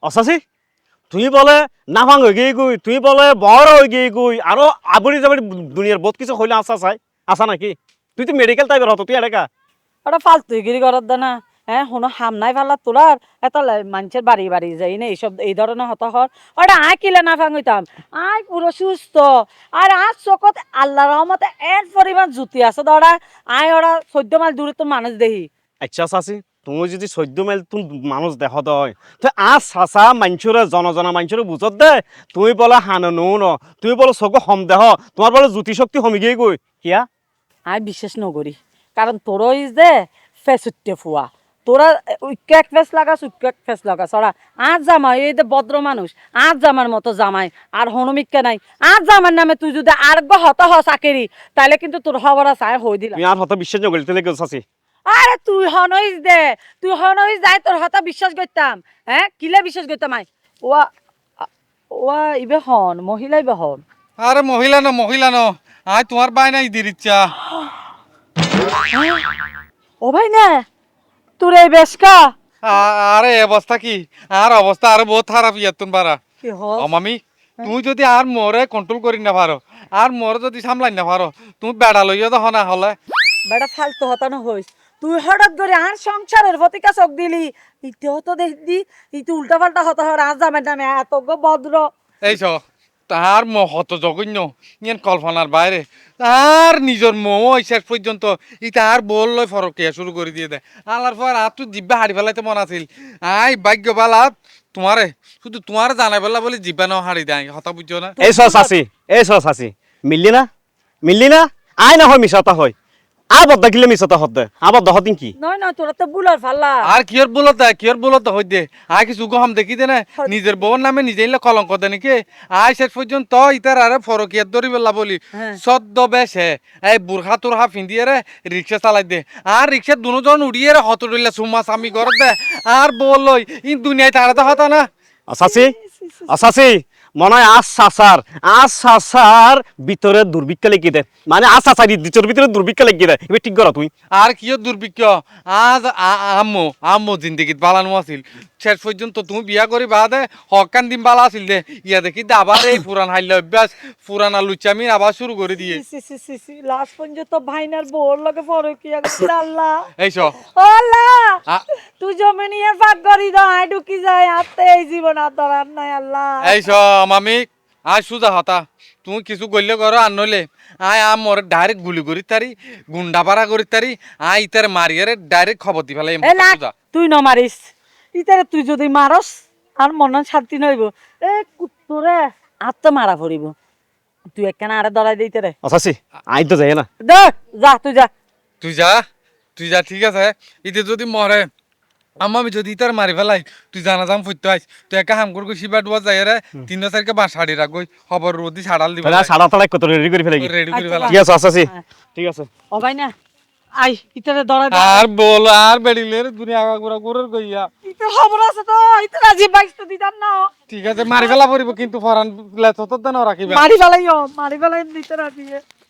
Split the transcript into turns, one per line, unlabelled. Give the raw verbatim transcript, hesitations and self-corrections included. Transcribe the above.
অসাসি তুই বলে নাফাং হয়ে গিয়ে গুই তুই বলে বড় হয়ে গিয়ে গুই আরো আবরি যাবি দুনিয়ার বহুত কিছু হইলে আসা চাই আসা নাকি তুই তো মেডিকেল টাইপের হতো তুই এলাকা
ওটা ফালতুগিরি করার দানা হ্যাঁ শোনো হাম নাই ফাল্লা তোলার এত মানুষের বাড়ি বাড়ি যাই না এইসব এই ধরনের হত হর ওটা আয় কিলে না ফাঙ্গিতাম আয় পুরো সুস্থ আর আজ চকত আল্লাহ রহমতে এর পরিমাণ জুতি আছে ধরা আয় ওরা চোদ্দ মাইল দূরে তো মানুষ দেখি
আচ্ছা চাচি তুমি যদি চৈধ্য মাইল তুমি মানুষ দেখ দয় তো আজ চাচা মাঞ্চুরে জনজনা মাঞ্চুরে বুঝত দে তুমি বলে হানো নো ন তুমি বলে চকু হম দেহ তোমার বলে জ্যোতি শক্তি হমি গিয়ে গই কিয়া
আয় বিশ্বাস নকরি কারণ তোরও ইস দে ফেসুটে ফুয়া তোরা উইক এক ফেস লাগাস উইক এক ফেস লাগাস ওরা আজ জামাই এই যে ভদ্র মানুষ আজ জামার মতো জামাই আর হনুমিককে নাই আজ জামার নামে তুই যদি আর হত হ চাকেরি তাহলে কিন্তু তোর খবর আছে আয় হই দিলাম
তুমি আর হত বিশ্বাস নকরি তাহলে কেউ চাচি
আরে তুই হনইস দে তুই হনইস যাই তোর হতা বিশ্বাস করতাম হ্যাঁ কিলে বিশ্বাস করতাম আই ওয়া ওয়া ইবে হন মহিলা ইবে হন
আরে মহিলা ন মহিলা ন আয় তোমার বাই নাই দির ইচ্ছা
ও ভাই না তোর এই বেশকা
আ- আরে এ অবস্থা কি আর অবস্থা আরে বহুত খারাপ ইয়ার তুমি পারা
কি হল
ও মামি তুমি যদি আর মোরে কন্ট্রোল করি না পারো আর মোরে যদি সামলাই না পারো তুমি বেড়া লইয়া দেখো না হলে
বেটা ফালতু হতানো হইস তুই হঠাৎ করে আর সংসারের প্রতি চোখ দিলি ইতেও তো দেখদি ইতে উল্টা পাল্টা হতা হর আজ জামের নামে এত গো ভদ্র
এই চ তার মহত জঘন্য ইয়ান কল্পনার বাইরে তার নিজের মৌ শেষ পর্যন্ত ই তার বল লয় ফরকিয়া শুরু করে দিয়ে দেয় আলার পর আর তুই জিব্বা হাড়ি ফেলাইতে মন আছিল আই ভাগ্য বালা তোমারে শুধু তোমার জানাই বললা বলে জিব্বা নাও হাড়ি দেয় হতা বুঝছো না
এই সস চাচি এই সস চাচি মিললি না মিললি না আয় না হয় মিশাতা হয় আবদ্ধ কিলে মিশাতা হতে আবদ্ধ হতিন কি
নয় নয় তোরা তো বুলার ফাল্লা
আর কিয়র বলত কিয়র বলত হই দে আই কিছু গহম দেখি দে না নিজের বউর নামে নিজে ইলে কলঙ্ক দে নাকি আই শেষ পর্যন্ত ইতার আরে ফরকিয়াত ধরি বেলা বলি
হ্যাঁ।
সদ্য বেশে এই বুরখা তুরহা ফিন্দিয়ে রে রিক্সা চালাই দে আর রিক্সা দুজন উড়িয়ে রে হত দিলে সুমা স্বামী ঘর দে আর বল লই ইন দুনিয়ায় তারা তো হতা না
আসাসি আসাসি মনে হয় আজ চাচার আজ চাচার ভিতরে দুর্ভিক্ষ লেগে দেয় মানে আজ চাচার ইদ্দিচর ভিতরে দুর্ভিক্ষ লেগে দেয় এবার ঠিক করা তুই
আর কিয় দুর্ভিক্ষ আজ আ- আম্মু আম্মু জিন্দিগিত বালানো আছিল শেষ পর্যন্ত তুমি বিয়া করি বাদে হকান দিন বালা আছিল দে ইয়া দেখি দে আবার এই পুরান হাইলে অভ্যাস পুরানা লুচামি আবার শুরু করে দিয়ে
C C C C last পর্যন্ত ভাইনার বোর লগে ফরকিয়া গেছে আল্লাহ
এই চ
ও আল্লাহ
আ-
তুই জমি নিয়ে ফাঁক করি দাও আয় ঢুকি যায় আতে এই জীবন আর ধরার নাই আল্লাহ
এই চ মামি আজ সুজা হতা তুমি কিছু গল্য করো আর নইলে আয় আম মোর ডাইরেক্ট গুলি করি তারি গুন্ডা পাড়া করি তারি আয় ইতার মারিয়ারে ডাইরেক্ট খবর দি ফেলাই
এ না তুই ন মারিস ইতারে তুই যদি মারস আর মন শান্তি নইব এ কুত্তরে আর তো মারা পড়িব তুই একখানা আরে ধরাই দিতে রে
আসাসি আই তো যাই না
দেখ যা তুই যা
তুই যা তুই যা ঠিক আছে ইতে যদি মরে আমি যদি ইতার মারি ফেলাই তুই জানা যাম ফুটতে আইস তুই একা হাম করবি শিবা ডুয়া যাই রে তিন চারকে বাঁ শাড়ি রাখবি খবর রোদি ছাড়াল দিবা
তাহলে সাড়া তাড়াই কত রেডি করে ফেলে
রেডি করে ফেলা
ঠিক আছে আসাসি ঠিক আছে
ও ভাই না আই ইতারে ধরাই দে
আর বল আর বেড়িলে দুনিয়া আগা ঘুরা ঘুরের কইয়া
ইতার খবর আছে তো ইতার আজি বাইশ তো দিতাম না
ঠিক আছে মারি ফেলা পড়িব কিন্তু ফরান লেছ তো দেন রাখিবা
মারি ফেলাইও মারি ফেলাই দিতে রাখিয়ে